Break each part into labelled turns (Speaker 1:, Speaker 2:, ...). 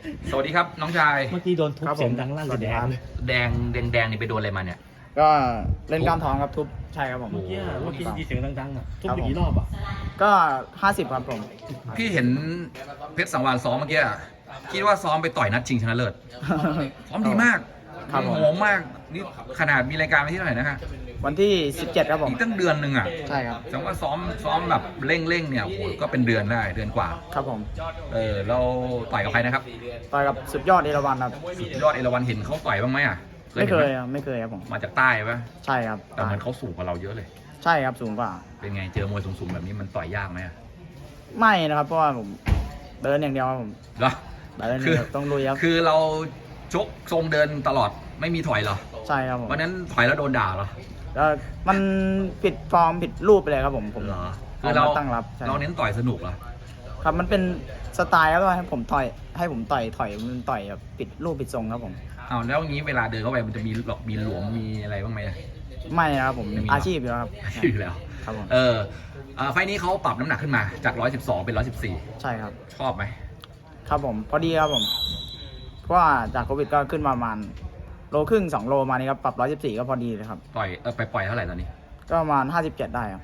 Speaker 1: สวัสดีครับน้องชาย
Speaker 2: เมื่อกี้โดนทุบเสียงดังลั่นเลยแดง
Speaker 1: แดงนี่ไปโดนอะไรมาเนี่ย
Speaker 3: ก็เล่นกล้ามท้องครับทุบใช่ครับผม
Speaker 2: เมื่อกี้มีเสียงดังๆอ่ะทุบไปกี่รอบอ่ะ
Speaker 3: ก็50ครับผม
Speaker 1: พี่เห็นเพชรสังวาลซ้อมเมื่อกี้อะคิดว่าซ้อมไปต่อยนัดชิงชนะเลิศซ้อมดีมาก
Speaker 3: ครับผม
Speaker 1: โหมากนี่ขนาดมีรายการวันที่เท่าไหร่นะฮะ
Speaker 3: วันที่17ครับผม
Speaker 1: อีกตั้งเดือนหนึ่งอ่ะ
Speaker 3: ใช่ครับ
Speaker 1: แสดงว่าซ้อมแบบเร่งเนี่ยโอ้โหก็เป็นเดือนได้เดือนกว่า
Speaker 3: ครับผม
Speaker 1: เราต่อยกับใครนะครับ
Speaker 3: ต่อยกับสุดยอดเอราวัณครับ
Speaker 1: สุดยอดเอราวัณเห็นเขาต่อยบ้างไหมอ่ะ
Speaker 3: ไม่เคย
Speaker 1: ห็นห
Speaker 3: ครับไม่เคยครับผม
Speaker 1: มาจากใต้ปะ
Speaker 3: ใช่ครับ
Speaker 1: แต่เหมือนเขาสูงกว่าเราเยอะเลย
Speaker 3: ใช่ครับสูงกว่า
Speaker 1: เป็นไงเจอมวยสูงๆแบบนี้มันต่อยยากไหมอะ
Speaker 3: ไม่นะครับเพราะว่าผมเดินอย่างเดียวครับผม
Speaker 1: เหรอ
Speaker 3: เดินอย่างเดียวต้องลุยครับ
Speaker 1: คือเราชกทรงเดินตลอดไม่มีถอยเหรอ
Speaker 3: ใช่ครับผม
Speaker 1: วันนั้นถอยแล้วโดนด่าเหรอ
Speaker 3: แล้วมันผิดฟอร์มผิดรูปไปเลยครับผม
Speaker 1: เหรอ
Speaker 3: คือเราตั้งรับใช่
Speaker 1: เราเน้นต่อยสนุกเหรอ
Speaker 3: ครับมันเป็นสไตล์ครับว่าให้ผมต่อยถอยมันต่อยแบบผิดรูปผิดทรงครับผม
Speaker 1: อ้าวแล้วงี้เวลาเดินเข้าไปมันจะมีหลอกมีหลวมมีอะไรบ้างไหมอะ
Speaker 3: ไม่นะครับผม
Speaker 1: ไม่มี
Speaker 3: อาชีพอยู่แล้วครับ
Speaker 1: อยู่แล้ว
Speaker 3: ครับผม
Speaker 1: ไฟล์นี้เขาปรับน้ำหนักขึ้นมาจาก 112 เป็น 114
Speaker 3: ใช่ครับ
Speaker 1: ชอบไหม
Speaker 3: ครับผมพอดีครับผมเพราะว่าจากโควิดก็ขึ้นมาประมาณโลครึ่ง2 โลมานี่ครับปรับ114ก็พอดีเลยครับ
Speaker 1: ไปปล่อยเท่าไหร่ตอนนี้
Speaker 3: ก็ประมาณ57ได้ครับ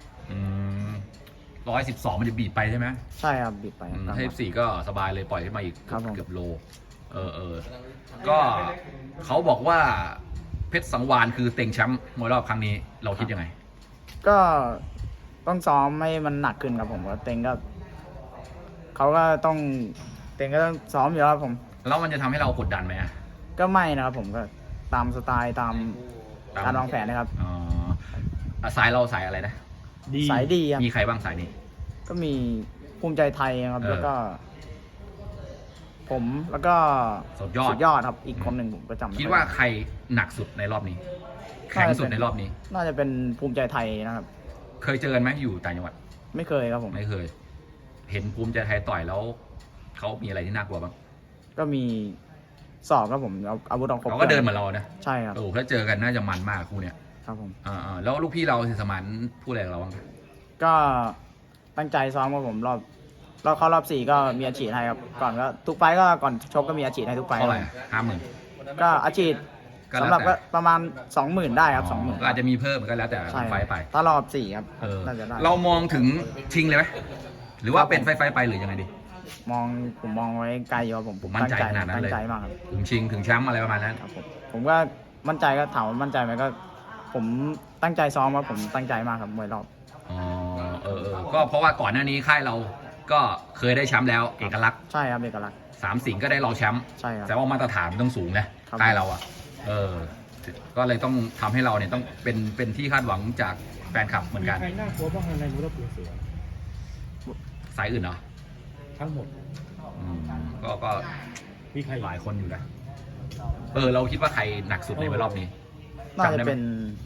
Speaker 1: 112 มันจะบีบไปใช่ไหม
Speaker 3: ใช่ครับบิดไปครับ
Speaker 1: 54ก็สบายเลยปล่อยขึ้นมาอีก
Speaker 3: ครับผม
Speaker 1: เกือบโลก็เขาบอกว่าเพชรสังวาลคือเต็งแชมป์มวยรอบครั้งนี้เราคิดยังไง
Speaker 3: ก็ต้องซ้อมให้มันหนักขึ้นครับผมว่าเต็งก็เขาก็ต้องเต็งก็ต้องซ้อมอยู่แล้วครับผม
Speaker 1: แล้วมันจะทำให้เรากดดันไหมอะ
Speaker 3: ก็ไม่นะครับผมก็ตามสไตล์ตามการวางแผนนะครับ
Speaker 1: อ๋อสายเราสายอะไรนะ
Speaker 3: สายดีครับ
Speaker 1: มีใครบ้างสายนี้
Speaker 3: ก็มีภูมิใจไทยครับ แล้วก็ ผมแล้วก็
Speaker 1: สุดยอด
Speaker 3: ครับอีกคนหนึ่งผมก็จำไม่
Speaker 1: คิด
Speaker 3: ไ
Speaker 1: ว่าใครหนักสุดในรอบนี้ แข็งสุดในรอบนี้
Speaker 3: น่าจะเป็นภูมิใจไทยนะครับ
Speaker 1: เคยเจอกันไหมอยู่ต่างจังหวัด
Speaker 3: ไม่เคยครับผม
Speaker 1: ไม่เคย เห็นภูมิใจไทยต่อยแล้วเขามีอะไรที่น่ากลัวบ้าง
Speaker 3: ก็มีสอบครับผมเอาอาวุธออกครบ
Speaker 1: เขาก็เดินเหมือนเรานะ
Speaker 3: ใช่ครับ
Speaker 1: โอ้ถ้าเจอกันน่าจะมันมากคู่เนี้ย
Speaker 3: ครับผม
Speaker 1: แล้วลูกพี่เราสิสมานพูดอะไรกับเราบ้าง
Speaker 3: ก็ตั้งใจซ้อมครับผมเราเข้ารอบ4ก็มีอาชีพให้ครับก่อนก็ทุกไฟล์ก็ก่อนชกก็มีอาชีพให้ทุกไฟล์
Speaker 1: เท่าไหร่
Speaker 3: ครับ
Speaker 1: 50,000
Speaker 3: ก็อาชีพ
Speaker 1: ก็แล้วแต่
Speaker 3: สำหรับก็ประมาณ 20,000ได้ครับ
Speaker 1: ก็อาจจะมีเพิ่มก็แล้วแต่
Speaker 3: ใช่
Speaker 1: ไฟล์ไป
Speaker 3: ถ้ารอบ4ครับ
Speaker 1: เออ
Speaker 3: น่าจะได้
Speaker 1: เรามองถึงชิงเลยไหมหรือว่า
Speaker 3: ครับผม
Speaker 1: เป็นไฟล์ไปหรือยังไงดี
Speaker 3: ผมมองไว้ไกลอยู่ครับผม
Speaker 1: มั่นใจขนาดนั้นเลย
Speaker 3: ตั้งใจมากครับ
Speaker 1: ถึงชิงถึงแชมป์อะไรประมาณนั้น
Speaker 3: ครับผมก็มั่นใจก็ถามว่ามั่นใจไหมก็ ผมตั้งใจซ้อมครับผมตั้งใจมากครับมวยรอบ
Speaker 1: อ๋อก็เพราะว่าก่อนหน้านี้ค่ายเราก็เคยได้แชมป์แล้วเอกลักษณ์
Speaker 3: ใช่ครับเอกลักษณ์
Speaker 1: 3 สิงห์ก็ได้รองแชมป์
Speaker 3: ใช่ครับ
Speaker 1: แต่ว่ามาตรฐานมันต้องสูงนะครับ ค่ายเราอ่ะก็เลยต้องทำให้เราเนี่ยต้องเป็นที่คาดหวังจากแฟนคลับเหมือนกัน
Speaker 2: ใครน่ากลัวบ้างในมูลปูเสือ
Speaker 1: สายอื่นเหรอ
Speaker 2: ทั้งหมด
Speaker 1: อืมก็
Speaker 2: มีใคร
Speaker 1: หลายคนอยู่นะเราคิดว่าใครหนักสุดในรอบนี้
Speaker 3: น่าจะเป็น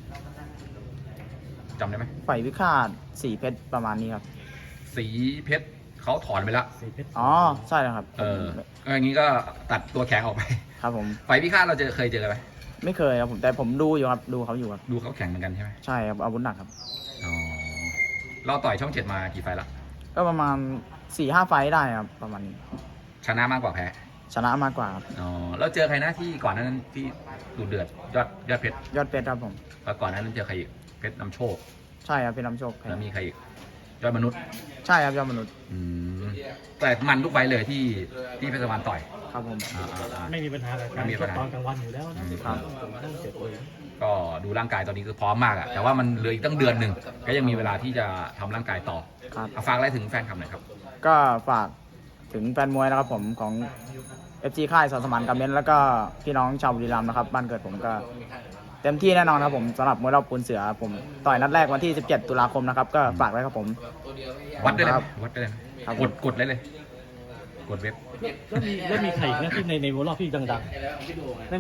Speaker 1: จำได้ไหม
Speaker 3: ไฟวิฆาตสีเพชรประมาณนี้ครับ
Speaker 1: สีเพชรเขาถอนไปแล้ว
Speaker 2: สีเพชร
Speaker 3: อ๋อใช่แล้วครับ
Speaker 1: ก็อย่างนี้ก็ตัดตัวแข็งออกไป
Speaker 3: ครับผม
Speaker 1: ไฟพิฆาตเราเคยเจอไหม
Speaker 3: ไม่เคยครับผมแต่ผมดูอยู่ครับดูเขาอยู่ครับ
Speaker 1: ดูเขาแข็งเหมือนกันใช่ไหม
Speaker 3: ใช่ครับอาวุธหนักครับ
Speaker 1: อ๋อเราต่อยช่อง 7มากี่ไฟล์ละ
Speaker 3: ก็ประมาณ 4-5 ไฟต์ได้ครับประมาณนี้
Speaker 1: ชนะมากกว่าแพ้
Speaker 3: ชนะมากกว่าครับ
Speaker 1: อ๋อแล้วเจอใครนะที่ก่อนหนานั้นที่ดูเดือดยอดเพชร
Speaker 3: ยอดเพชรครับผม
Speaker 1: แล้วก่อนหนานั้นเจอใครอีกเพชรนำโชค
Speaker 3: ใช่ครับเป็นน้ำโชค
Speaker 1: แล้วมีใครอีกยอดมนุษย์
Speaker 3: ใช่ครับยอดมนุษย์
Speaker 1: แต่มันทุกไฟล์เลยที่เพชรสวรรค์ต่อย
Speaker 3: ครับผม
Speaker 2: ไม่มีปัญหากับการชกตอนกลางวันอยู่แล้วนะครับผมต้องเจ็บเลย
Speaker 1: ก็ดูร่างกายตอนนี้คือพร้อมมากอะแต่ว่ามันเหลืออีกตั้งเดือนหนึ่งก็ยังมีเวลาที่จะทำร่างกายต่อ
Speaker 3: ครับ
Speaker 1: ฝากอะไรถึงแฟนคลับหน่อยครับ
Speaker 3: ก็ฝากถึงแฟนมวยนะครับผมของ FG ค่ายสสมานกำเน้นแล้วก็พี่น้องชาวบุรีรัมย์นะครับบ้านเกิดผมก็เต็มที่แน่นอนครับผมสำหรับมวยรอบปูนเสือผมต่อยนัดแรกวันที่ 17 ตุลาคมนะครับก็ฝากไว้ครับผม
Speaker 1: วัดได้เลย
Speaker 3: ครับ
Speaker 1: วัดได้เลย
Speaker 3: ครับ
Speaker 1: กดเลยกดเว็บ
Speaker 2: แล้วมีใครอีกนะที่ในรอบที่ดังๆ